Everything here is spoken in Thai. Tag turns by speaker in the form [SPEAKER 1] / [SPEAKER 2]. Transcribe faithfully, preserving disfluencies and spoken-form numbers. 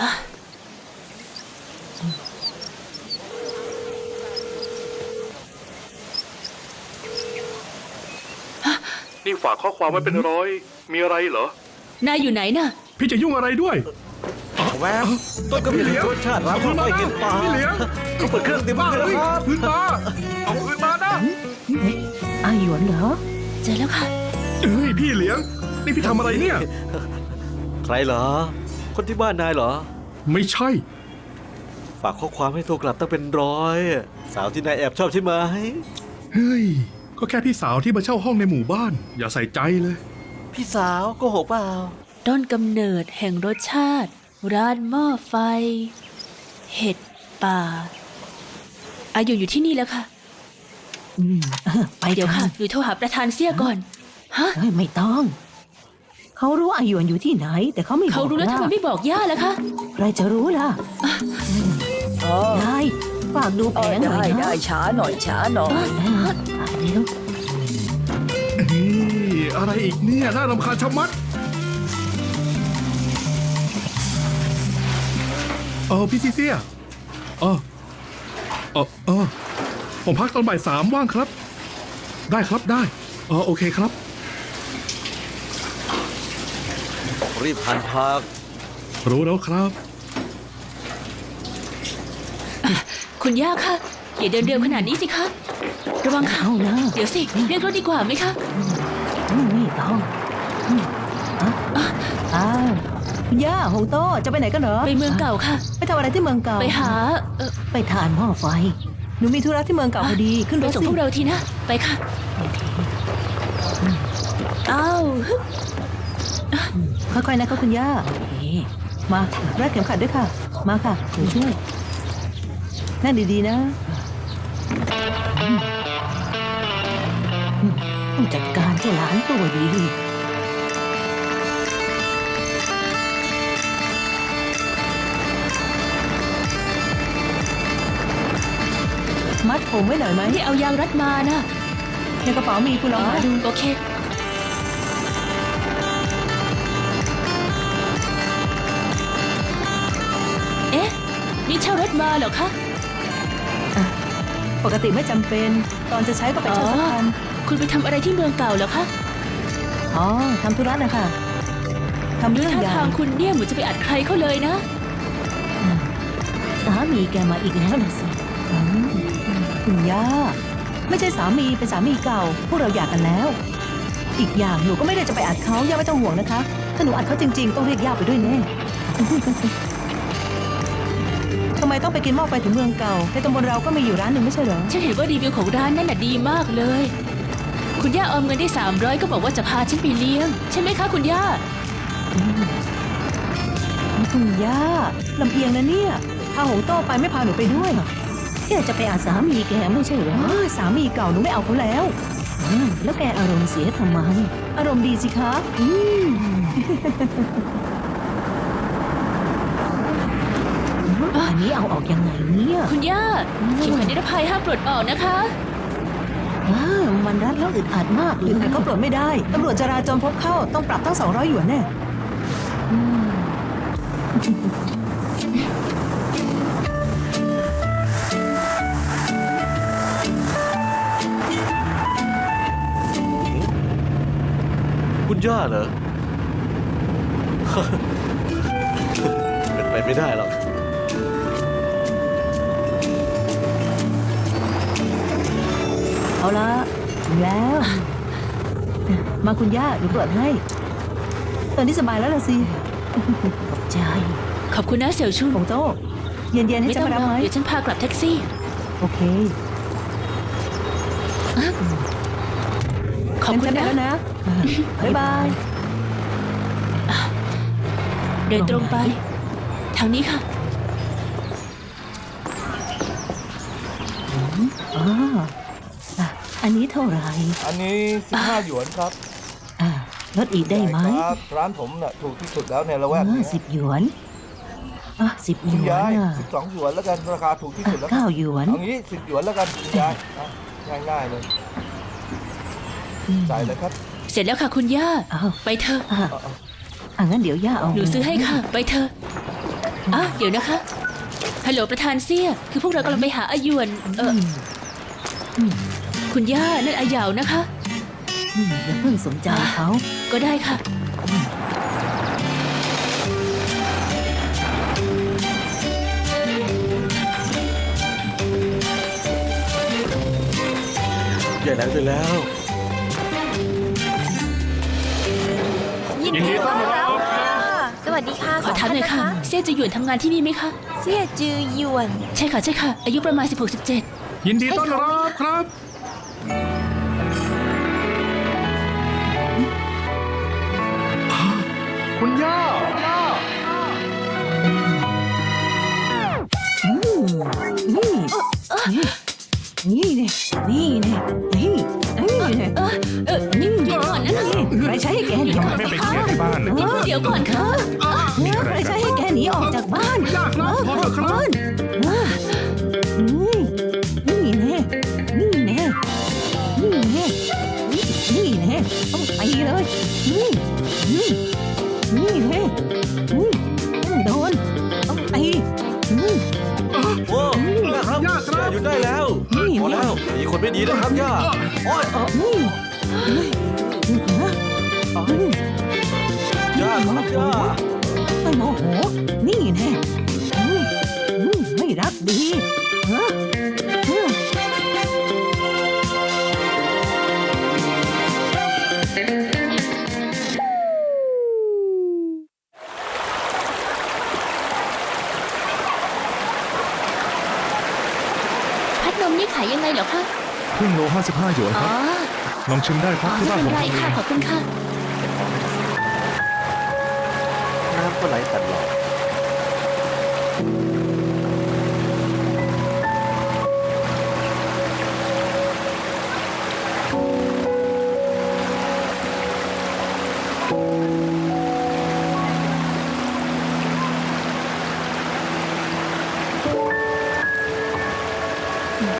[SPEAKER 1] นี่ฝากข้อความไว้เป็นร้อยมีอะไรเหรอน
[SPEAKER 2] ายอยู่ไหนน่ะ
[SPEAKER 1] พี่จะยุ่งอะไรด้วย
[SPEAKER 3] แวบต้นกำเนิดรสชาติร้านข้าวไฟกินปลา
[SPEAKER 1] พี่เหลียง
[SPEAKER 3] เขาเปิดเครื่องเต็มบ้านแล้วครับ
[SPEAKER 1] คืนมาเอาคืนมานะ
[SPEAKER 4] อาหยวนเหรอ
[SPEAKER 2] เจอแล้วค่ะ
[SPEAKER 1] เฮ้ยพี่เหลียงนี่พี่ทำอะไรเนี่ย
[SPEAKER 3] ใครเหรอ คนที่บ้านนายเหรอ
[SPEAKER 1] ไม่ใช่
[SPEAKER 3] ฝากข้อความให้โทรกลับตั้งเป็นร้อย สาวที่นายแอบชอบใช่ไหม
[SPEAKER 1] เฮ้ยก็แค่พี่สาวที่มาเช่าห้องในหมู่บ้าน อย่าใส่ใจเลย
[SPEAKER 3] พี่สาวโกหกเปล่า
[SPEAKER 2] ต้นกำเนิดแห่งรสชาติ ร้านหม้อไฟ เห็ดป่า อายุอยู่ที่นี่แล้วค่ะ
[SPEAKER 4] อืมเออไป
[SPEAKER 2] เดี๋ยวค่ะ
[SPEAKER 4] กัน
[SPEAKER 2] หนูโทรหาประธานเสี่ยก่อน ฮะ
[SPEAKER 4] เฮ้ยไม่ต้อง เขารู้อาหยวนอยู่ที่ไหน แต่เขาไม่บอก
[SPEAKER 2] เขารู้แล้วทำไมไม่บอกย่าล่ะคะ
[SPEAKER 4] ใครจะรู้ล่ะ
[SPEAKER 5] เออ
[SPEAKER 4] นายฝากดูแผ
[SPEAKER 5] เออง
[SPEAKER 4] หน่
[SPEAKER 5] ได้
[SPEAKER 4] อยนะ
[SPEAKER 5] ได้ช้าหน่อยช้าหน่อย
[SPEAKER 4] เออฝากเร็ว
[SPEAKER 1] นี่อะไรอีกเนี่ยน่ารำคาญชะมัดเออพี่ซีเซียเออเออเออผมพักตอนบ่ายสามว่างครับ ได้ครับได้เออโอเคครับ
[SPEAKER 3] รีบหันพัก
[SPEAKER 1] รู้แล้วครับ
[SPEAKER 2] คุณย่าคะอย่าเดินเร็วขนาดนี้สิคะ ระวังค่ะ
[SPEAKER 4] เอานะ
[SPEAKER 2] เดี๋ยวสิ เรียกรถดีกว่าไหมคะ
[SPEAKER 4] อืมไม่ต้องอืมอ่ะอ้าวคุณย่าโฮโต้จะไปไหนกันเหรอ
[SPEAKER 2] ไปเมืองเก่าค่ะ
[SPEAKER 4] ไปทำอะไรที่เมืองเก่า
[SPEAKER 2] ไปหา เออ
[SPEAKER 4] ไปทานหม้อไฟ หนูมีธุระที่เมืองเก่าพอดี ขึ้น
[SPEAKER 2] ไป
[SPEAKER 4] รถ
[SPEAKER 2] ส่ง
[SPEAKER 4] สิ
[SPEAKER 2] พวกเราทีนะ ไปค่ะอ้าวฮึบ
[SPEAKER 4] ค่อยๆนะคะคุณย่าโอเคมารัดเข็มขัดด้วยค่ะ มาค่ะหนูช่วย นั่งดีๆนะอืมอืมต้องจัดการเจ้าหลานตัวดี มัดผมไว้หน่อยไหม
[SPEAKER 2] ที่เอายางรัดมานะ
[SPEAKER 4] ในกระเป๋ามีคุณลองหาดู
[SPEAKER 2] โอเค เอ๊ะ นี่เช่ารถมาเหรอคะ
[SPEAKER 4] ปกติไม่จำเป็น ตอนจะใช้ก็ไปเช่าสักคัน
[SPEAKER 2] คุณไปทำอะไรที่เมืองเก่าเหรอคะ
[SPEAKER 4] อ๋อทำธุระนะคะทำเรื่อง
[SPEAKER 2] ท่า
[SPEAKER 4] ใหญ่
[SPEAKER 2] ทางคุณเนี่ยเหมือนจะไปอัดใครเขาเลยนะ
[SPEAKER 4] สามีแกมาอีกแล้วนะสิอืมคุณย่า ไม่ใช่สามีเป็นสามีเก่า พวกเราหย่ากันแล้ว อีกอย่างหนูก็ไม่ได้จะไปอัดเขาย่าไม่ต้องห่วงนะคะ ถ้าหนูอัดเขาจริงๆ ต้องเรียกย่าไปด้วยแน่ ทำไมต้องไปกินหม้อไฟถึงเมืองเก่า ในตำบลเราก็มีอยู่ร้านหนึ่งไม่ใช่เหรอ
[SPEAKER 2] ฉันเห็นว่ารีวิวของร้านนั่นน่ะดีมากเลย คุณย่าออมเงินได้สามร้อยก็บอกว่าจะพาฉันไปเลี้ยง ใช่ไหมคะคุณย่า
[SPEAKER 4] คุณย่าลำเอียงนะเนี่ยพาหงโต้ไปไม่พาหนูไปด้วยแกจะไปอาสามีแกไม่ใช่เหรอสามีเก่าหนูไม่เอาเขาแล้วอืมแล้วแกอารมณ์เสียทำไม อารมณ์ดีสิคะอืม อันนี้เอาออกยังไงเนี่ย
[SPEAKER 2] คุณย่าเข็มขัดนิรภัยห้ามปลดออกนะคะ
[SPEAKER 4] อ้ามันรัดแล้วอึดอัดมากเลยแต่ก็ปลดไม่ได้ตำรวจจราจรพบเข้าต้องปรับตั้งสองร้อยหยวนแน่อืม
[SPEAKER 3] คุณย่าเหรอ เป็นไปไม่ได้หรอก
[SPEAKER 4] เอาละถึงแล้ว มาคุณย่าหนูเปิดให้ ตอนนี้สบายแล้วล่ะสิ ขอบใจ
[SPEAKER 2] ขอบคุณนะเสี่ยวชุน
[SPEAKER 4] ผงโต้เย็นๆให้
[SPEAKER 2] ไม่
[SPEAKER 4] ฉั
[SPEAKER 2] ต้
[SPEAKER 4] น
[SPEAKER 2] อง
[SPEAKER 4] มารับ
[SPEAKER 2] รอ
[SPEAKER 4] ไหม
[SPEAKER 2] เดี๋ยวฉันพากลับแท็กซี่
[SPEAKER 4] โอเค
[SPEAKER 2] ขอบคุณ
[SPEAKER 4] งั้นฉันไป
[SPEAKER 2] นะ
[SPEAKER 4] แล้วนะบ๊ายบาย
[SPEAKER 2] เดินตรงไป ทางนี้ค่ะ
[SPEAKER 4] อ๋ออ่ะอันนี้เท่าไหร่
[SPEAKER 6] อันนี้สิบห้าหยวนครับ
[SPEAKER 4] อ่าลดอีกได้ไหม
[SPEAKER 6] ครับร้านผมน่ะถูกที่สุดแล้วในละแวก
[SPEAKER 4] อ่า
[SPEAKER 6] นี้
[SPEAKER 4] สิบหยวนอ่ะสิบหย
[SPEAKER 6] คุณ
[SPEAKER 4] วน
[SPEAKER 6] ยาย
[SPEAKER 4] อ่ะ
[SPEAKER 6] สิบสองหยวนแล้วกันราคาถูกที่สุดแล้วค
[SPEAKER 4] เก้า
[SPEAKER 6] รับ
[SPEAKER 4] หยวน
[SPEAKER 6] เอางี้สิบหยวนแล้วกันคุณยายอ่ะง่ายๆเลยจ่ายเลยครับ
[SPEAKER 2] เสร็จแล้วค่ะคุณย่า
[SPEAKER 4] อ้าว
[SPEAKER 2] ไปเถอะ
[SPEAKER 4] อ่ะอ่ะงั้นเดี๋ยวย่าเอา
[SPEAKER 2] หนูซื้อให้ค่ะ ไปเถอะอ้าวเดี๋ยวนะคะ ฮัลโหลประธานเซี่ย คือพวกเรากำลังไปหาอาหยวน เออคุณย่า นั่นอาเหยาวนะคะ
[SPEAKER 4] อืมอย่าเพิ่งสนใจเขา
[SPEAKER 2] ก็ได้ค่ะ
[SPEAKER 3] ใหญ่แล้วใหญ่แล้ว
[SPEAKER 5] ยินดีต้อนรับค่ะสวัสดีค่ะ
[SPEAKER 2] ขอถามหน่อยค่ะ เซี่ยจะหยวนทำงานที่นี่ไหมคะ
[SPEAKER 5] เสี่ยจือหยวน
[SPEAKER 2] ใช่ค่ะ ใช่ค่ะ อายุประมาณ สิบหก สิบเจ็ด
[SPEAKER 1] ยินดีต้อนรับครับ คุณย่าย่า
[SPEAKER 4] นี่นี่นี่นี่นี่นี่นี่
[SPEAKER 2] เออเออนี่หยุดก่อนนะคะ
[SPEAKER 4] ใครใช้ให้แกหนีออก
[SPEAKER 1] ไม่
[SPEAKER 4] จาก
[SPEAKER 1] ไป
[SPEAKER 4] บ้า
[SPEAKER 1] เคลียร์ที่บ้านเลย
[SPEAKER 2] เดี๋ยวก่อนค่ะ
[SPEAKER 4] ใครใช้ให้แกหนีออกจากบ้าน
[SPEAKER 1] ย่าครับพอเถอะครับ
[SPEAKER 4] นี่นี่แน่นี่แน่นี่แน่นี่แน่ต้องไปเลยนี่นี่นี่แน่นี่ต้องโดนต้องไปนี่
[SPEAKER 3] โอ้ย่าครับ
[SPEAKER 1] ย่าครับ
[SPEAKER 3] หยุดได้แล้ว
[SPEAKER 4] นี่
[SPEAKER 3] พอแล้วมีคนไม่ดีนะครับย่าโอ้ย
[SPEAKER 4] นี่นี่นะ
[SPEAKER 3] ย่าครับย่า
[SPEAKER 4] ไม่โมโห นี่แน่นี่นี่ไม่รักดีฮะอืม
[SPEAKER 2] พัดนมนี่ขายยังไงเหรอคะ
[SPEAKER 1] ครึ่งโลห้าสิบห้าหยวน
[SPEAKER 2] อ๋
[SPEAKER 1] ค
[SPEAKER 2] อ
[SPEAKER 1] รับ ลองชิมได้ค
[SPEAKER 2] อ๋
[SPEAKER 1] รั
[SPEAKER 2] อบ
[SPEAKER 1] ที่
[SPEAKER 2] ไม่
[SPEAKER 1] บ้าน
[SPEAKER 2] เป็
[SPEAKER 1] ผ
[SPEAKER 2] น
[SPEAKER 1] ม
[SPEAKER 2] ไร
[SPEAKER 1] ทำเอ
[SPEAKER 2] ค่ะ
[SPEAKER 1] ง
[SPEAKER 2] ขอบคุณค่ะ
[SPEAKER 3] น้ำก็ไหลตลอด